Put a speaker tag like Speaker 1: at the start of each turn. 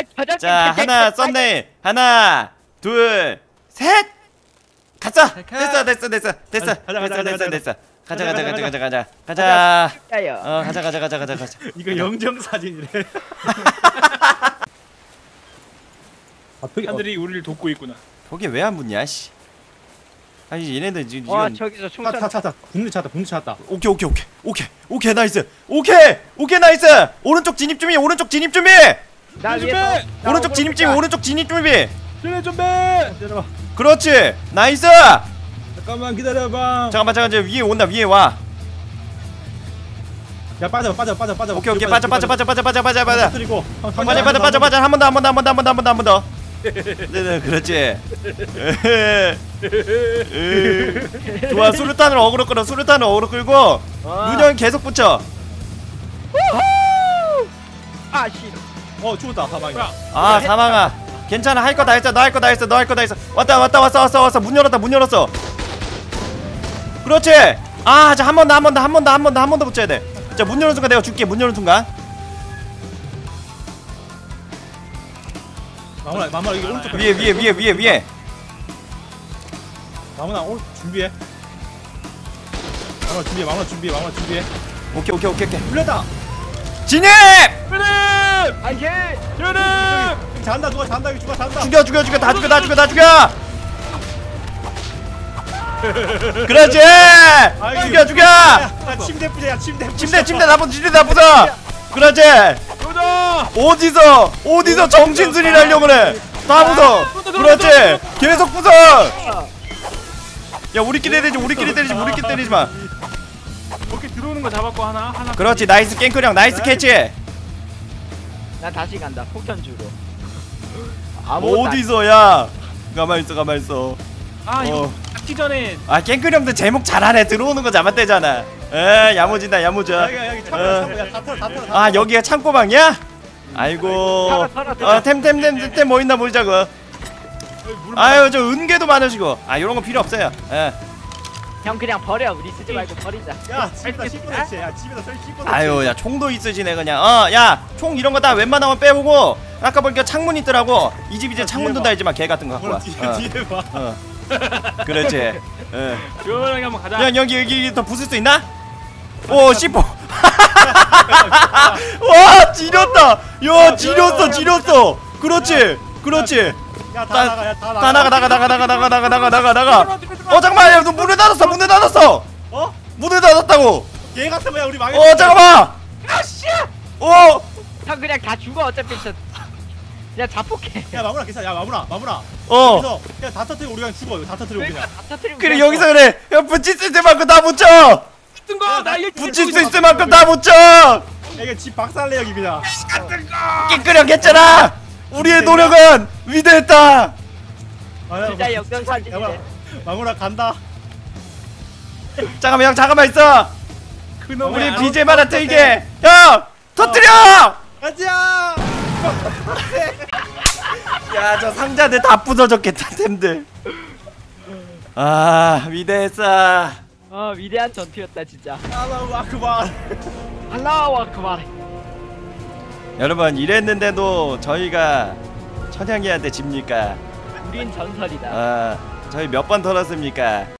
Speaker 1: 자, 하나 썸네일. 하나, 둘, 셋. 가자. 됐어. 가자. 가자.
Speaker 2: 이거 영정 사진이래. 사람들이 우리를 돕고 있구나.
Speaker 1: 거기 왜 안 붙냐, 씨. 아니 얘네들 지금
Speaker 3: 와 저기서 총선.
Speaker 2: 찾았다. 분리 찾았다.
Speaker 1: 오케이 나이스. 오케이 나이스. 오른쪽 진입 준비. 오른쪽 진입 준비.
Speaker 2: 준비. 기다려봐.
Speaker 1: 그렇지. 나이스.
Speaker 2: 잠깐만 기다려봐.
Speaker 1: 잠깐만 이제 위에 온다. 위에 와.
Speaker 2: 야 빠져.
Speaker 1: 오케이 빠져.
Speaker 2: 그리고
Speaker 1: 빠져. 한 번 더. 네, 그렇지. 좋아, 수류탄을 어그로 끌고 문형 계속 붙여.
Speaker 3: 아 씨.
Speaker 2: 죽었다. 사망이야.
Speaker 1: 아, 사망아. 괜찮아. 할 거 다 했어. 너 할 거 다 했어. 왔어. 문 열었어. 그렇지. 아, 자, 한 번 더 붙여야 돼. 자, 문 여는 순간 내가 줄게. 문 여는 순간.
Speaker 2: 마무라 이거 오른쪽
Speaker 1: 위에.
Speaker 2: 마무라 오른 준비해. 마무라 준비해.
Speaker 1: 오케이.
Speaker 2: 불렸다.
Speaker 1: 진입!
Speaker 3: 안돼.
Speaker 2: 잔다. 누가 잔다. 이거 누가 잔다.
Speaker 1: 죽여. 다 죽여. 그렇지. 죽여.
Speaker 2: 야, 침대 부자.
Speaker 1: 침대 나쁘다. 그렇지. 어디서 정신술이 하려고 그래. 다 부숴. 그렇지. 계속 부숴. 야, 우리끼리 때리지 마.
Speaker 2: 이렇게 들어오는 거 잡았고 하나.
Speaker 1: 그렇지. 나이스 깽크령. 나이스 캐치.
Speaker 3: 나 다시 간다. 폭탄 주로.
Speaker 1: 어디서 야. 가만 있어.
Speaker 2: 이거 잡기 전에.
Speaker 1: 아, 깽크령도 제목 잘하네. 들어오는 거 잡았대잖아. 야무진다.
Speaker 2: 여기 창고야. 다 털어.
Speaker 1: 아, 여기가 창고방이야? 아이고. 템 뭐 있나 보자고. 아유, 저 은개도 많으시고. 아, 요런 거 필요 없어요.
Speaker 3: 형 그냥 버려. 우리 쓰지 말고 버리자.
Speaker 2: 야, 집에다 씹어냈지.
Speaker 1: 아유, 야, 총도 있으시네 그냥. 야, 총 이런 거 다 웬만하면 빼보고. 아까 보니까 창문 있더라고. 이 집 이제 창문도 달지마. 개 같은 거 갖고 와.
Speaker 2: 뒤에 봐.
Speaker 1: 그렇지.
Speaker 2: 시원하게 한번 가자.
Speaker 1: 야, 여기 더 부술 수 있나? 오, 씹어. 와, 지렸다. 야, 지렸어. 그렇지.
Speaker 2: 야, 다
Speaker 1: 나가. 잠깐만, 야, 너 문을 닫았어. 문을 닫았다고.
Speaker 2: 얘 같은 거야 우리 망했어.
Speaker 1: 잠깐만.
Speaker 3: 아씨. 형 그냥 다 죽어. 어차피 그냥 자폭해.
Speaker 2: 야, 마무라 괜찮아. 야, 마무라. 그래서 그냥 다 터뜨리고 우리가 죽어. 이거 다 터뜨리고
Speaker 3: 그러니까
Speaker 2: 그냥.
Speaker 3: 다 터뜨리고.
Speaker 1: 그래, 여기서 그래. 야, 붙일 수 있을 만큼 다 붙여. 붙일 수 있을 만큼 다 붙여.
Speaker 2: 야, 이게 집 박살내 여기 그냥.
Speaker 1: 깨끗하게 했잖아. 우리의 노력은 위대했다.
Speaker 3: 진짜 역전 사진이네.
Speaker 2: 마무라 간다.
Speaker 1: 잠깐만 있어. 우리 BGM 하나 틀게. 형, 터뜨려.
Speaker 2: 가자.
Speaker 1: 야, 저 상자들 다 부서졌겠다, 템들. 아, 위대했어.
Speaker 3: 위대한 전투였다 진짜.
Speaker 2: 알라우 아크발.
Speaker 3: 알라우 아크발.
Speaker 1: 여러분, 이랬는데도 저희가 천양이한테 집니까?
Speaker 3: 우린 전설이다.
Speaker 1: 저희 몇 번 털었습니까?